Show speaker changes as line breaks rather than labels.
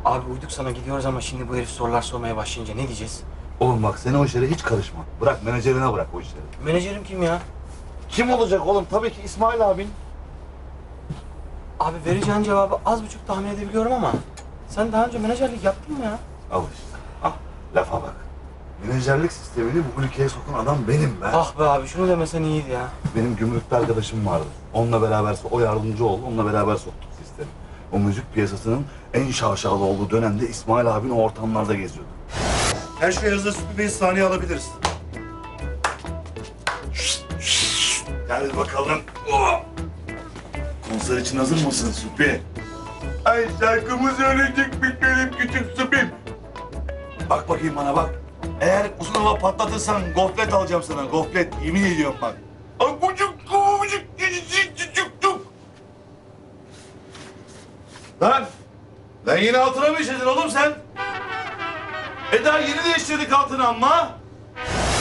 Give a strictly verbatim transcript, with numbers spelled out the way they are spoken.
Abi uyduk sana gidiyoruz ama şimdi bu herif sorular sormaya başlayınca ne diyeceğiz?
Oğlum bak sen o işlere hiç karışma. Bırak menajerine bırak o işleri.
Menajerim kim ya?
Kim olacak oğlum? Tabii ki İsmail abin.
Abi vereceğin cevabı az buçuk tahmin edebiliyorum ama sen daha önce menajerlik yaptın mı ya?
Al işte. Al. Lafa bak. Menajerlik sistemini bu ülkeye sokan adam benim be.
Ah be abi şunu demesen iyiydi ya.
Benim gümrükte arkadaşım vardı. Onunla beraber, o yardımcı oldu. Onunla beraber soktuk sistemi. O müzik piyasasının en şaşalı olduğu dönemde İsmail abin o ortamlarda geziyordu.
Her şey hazır, Sütü Bey sahneye alabiliriz.
Gel bakalım. Oh! Konser için hazır mısın Süpi? Ay şarkımı söyleyecekmiş benim küçük Süpim. Bak bakayım bana bak. Eğer uzun hava patlatırsan goflet alacağım sana, goflet. Yemin ediyorum bak. Ay kucuk kucuk küçük küçük küçük. Lan! Lan yine altına mı işledin oğlum sen? E daha yeni değiştirdik altını ama.